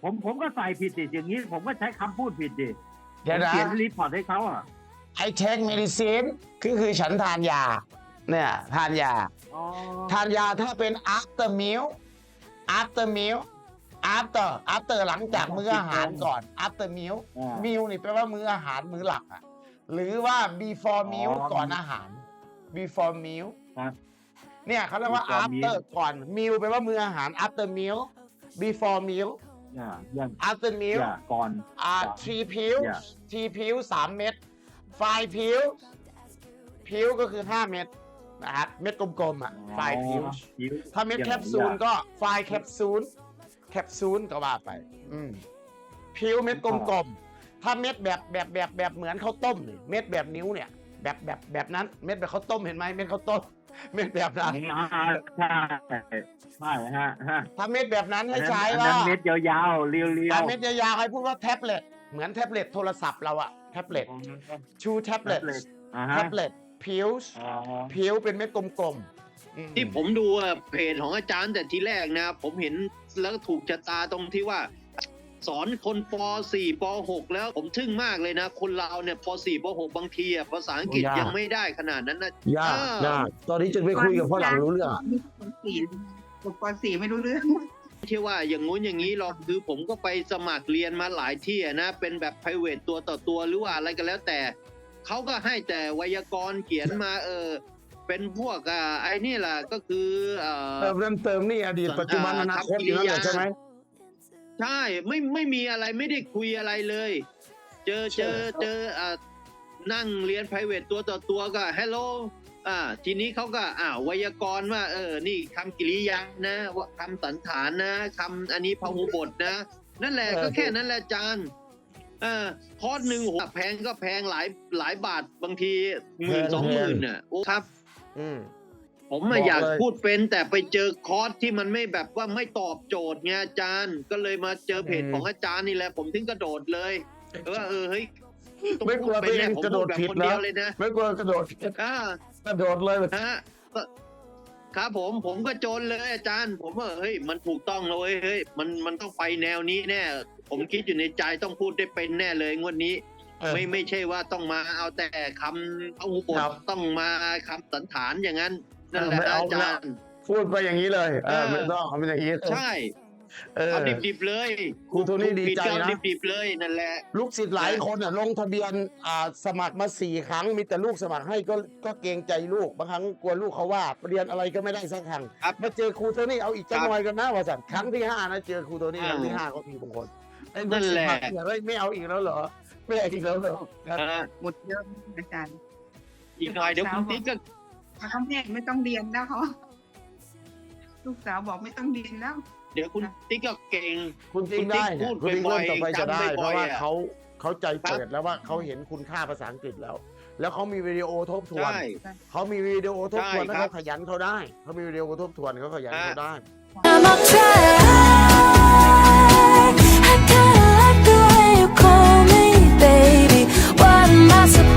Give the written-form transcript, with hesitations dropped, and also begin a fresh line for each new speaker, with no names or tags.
ผมก็ใส่ผิดดิอย่างนี้ผมก็ใช้คำพูดผิดดิ
เดี๋ยวนะ
เขียนรีพอร์ตให้เขาอ่ะ
I take medicine คือฉันทานยาเนี่ยทานยา
อ๋อ
ทานยาถ้าเป็น after meal after หลังจากมื้ออาหารก่อน after meal meal นี่แปลว่ามื้ออาหารมื้อหลักอ่ะหรือว่า before meal ก่อนอาหาร before meal
ครับ
เนี่ยเขาเรียกว่า
before
after
meal
ก่อน meal แปลว่ามื้ออาหาร after meal before meal
อย่าง
after meal
ก่อน
three pills 3 เม็ด5 pills pill ก็คือ5 เม็ดนะครับเม็ดกลมๆอ่ะ5 pills ถ้าเม็ดแคปซูลก็5 แคปซูลก็ว่าไปพิวเม็ดกลมๆถ้าเม็ดแบบเหมือนข้าวต้มเนี่ยเม็ดแบบนิ้วเนี่ยแบบนั้นเม็ดแบบข้าวต้มเห็นไหมเม็ดข้าวต้มเม็ดแบบนั้น
ใช่ฮะ
ถ้าเม็ดแบบนั้นให้ใช้
ว่า
ว่า
เม็ดยาวๆเรียวๆ
ถ้าเม็ดยาวๆให้พูดว่าแท็บเล็ตเหมือนแท็บเล็ตโทรศัพท์เราอะแท็บเล็ตชูแท็บเล็ตพิวเป็นเม็ดกลมๆ
ที่ผมดูเพจของอาจารย์แต่ทีแรกนะผมเห็นแล้วถูกชะตาตรงที่ว่า สอนคนป .4 ป .6 แล้วผมทึ่งมากเลยนะคนเราเนี่ยป .4 ป .6 บางทีภาษาอังกฤษยังไม่ได้ขนาดนั้นนะ
ยากตอนนี้จึงไปคุยกับฝรั่งรู้เรื่อง
ป .4 ไม่รู้เรื่อง
ไม่ใช่ว่าอย่างงู้นอย่างนี้หรอกคือผมก็ไปสมัครเรียนมาหลายที่นะเป็นแบบ private ตัวต่อตัวหรือว่าอะไรก็แล้วแต่เขาก็ให้แต่ไวยากรณ์เขียนมาเป็นพวกไอ้นี่แหละก็คือ
เติมนี่อดีตปัจจุบันอนาคตอยู่นั่นแหละใช่ไหม
ใช่ไม่มีอะไรไม่ได้คุยอะไรเลยเจอนั่งเรียน private ตัวต่อตัวก็ hello ทีนี้เขาก็ไวยากรณ์ว่านี่คำกริยานะคำสันฐานนะคำอันนี้พหูบทนะนั่นแหละก็แค่นั้นแหละอาจารย์คอร์สหนึ่งแพงก็แพงหลายบาทบางที10,000-20,000น่ะโอ้ครับผมอยากพูดเป็นแต่ไปเจอคอร์สที่มันไม่แบบว่าไม่ตอบโจทย์ไงอาจารย์ก็เลยมาเจอเพจของอาจารย์นี่แหละผมถึงกระโดดเลยเฮ้ย
ไม่กลัวตัวเองกระโดดผิดนะไม่กลัวกระโดดผิดกระโดดเลย
ครับผมก็โจรเลยอาจารย์ผมว่าเฮ้ยมันถูกต้องเลยเฮ้ยมันต้องไปแนวนี้แน่ผมคิดอยู่ในใจต้องพูดได้เป็นแน่เลยงวดนี้ไม่ใช่ว่าต้องมาเอาแต่คำเอาบทต้องมาคำสันฐานอย่างนั้นนั่นแหละอาจารย์
พูดไปอย่างนี้เลยไม่ต้องเอาไปอย่างนี้
ใช่เอาดิบๆเลย
ครูโทนี่ดีใจนะ
ดิบๆเลยนั่นแหละ
ลูกศิษย์หลายคนลงทะเบียนสมัครมา4 ครั้งมีแต่ลูกสมัครให้ก็เกรงใจลูกบางครั้งกลัวลูกเขาว่าเรียนอะไรก็ไม่ได้สักครั้งมาเจอครูโทนี่เอาอีกจังหน่อยกันนะว่าสัตว์ครั้งที่5นะเจอครูโทนี่ครั้งที่5ก็มีบางคน
นั่นแหละ
ไม่เอาอีกแล้วเหรอไม่เอาอีกแล้วเหรอ
หมดเยอะอาจารย์
อีกหน่อยเดี๋ยวคุณติ๊กก็
เขาไม่ต้องเรียนแล้วเขาลูกสาวบอกไม่ต้องเรียนแล้ว
เดี๋ยวคุณติ๊กก็เก่ง
คุณติ๊กได้คุณติ๊กเริ่มต่อไปจะได้เพราะว่าเขาใจเปิดแล้วว่าเขาเห็นคุณค่าภาษาอังกฤษแล้วเขามีวิดีโอทบทวนเขามีวิดีโอทบทวนแล้วเขาขยันเขาได้เขามีวิดีโอทบทวนเขาขยันเขาได้